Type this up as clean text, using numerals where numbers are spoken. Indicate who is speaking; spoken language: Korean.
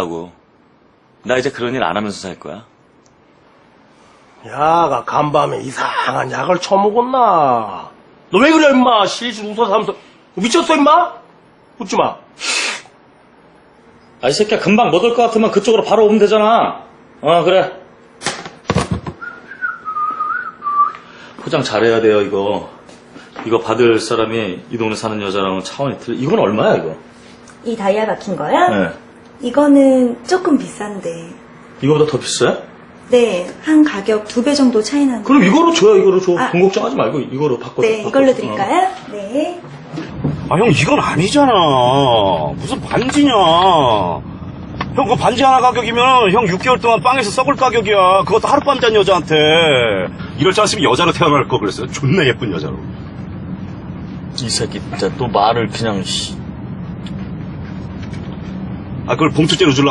Speaker 1: 하고. 나 이제 그런 일 안 하면서 살 거야.
Speaker 2: 야가 간밤에 이상한 약을 처먹었나? 너 왜 그래 임마? 실실 웃어서 하면서 미쳤어 임마? 웃지 마.
Speaker 1: 아, 이 새끼야, 금방 못 올 것 같으면 그쪽으로 바로 오면 되잖아. 그래. 포장 잘해야 돼요, 이거. 이거 받을 사람이 이 동네 사는 여자랑은 차원이 틀려. 이건 얼마야, 이거?
Speaker 3: 이 다이아 박힌 거야?
Speaker 1: 네.
Speaker 3: 이거는 조금 비싼데.
Speaker 1: 이거보다 더 비싸요?
Speaker 3: 네, 한 가격 2배 정도 차이 나는.
Speaker 1: 그럼 이거로 줘요, 이거로 줘.
Speaker 3: 아.
Speaker 1: 돈 걱정하지 말고 이거로 바꿔.
Speaker 3: 네, 이걸로 드릴까요? 네.
Speaker 4: 아, 형, 이건 아니잖아. 무슨 반지냐. 형, 그 반지 하나 가격이면 형 6개월 동안 빵에서 썩을 가격이야. 그것도 하룻밤 잔 여자한테. 이럴 줄 알았으면 여자로 태어날 거 그랬어요. 존나 예쁜 여자로.
Speaker 1: 이 새끼 진짜 또 말을 그냥,
Speaker 4: 아, 그걸 봉투째로 주려고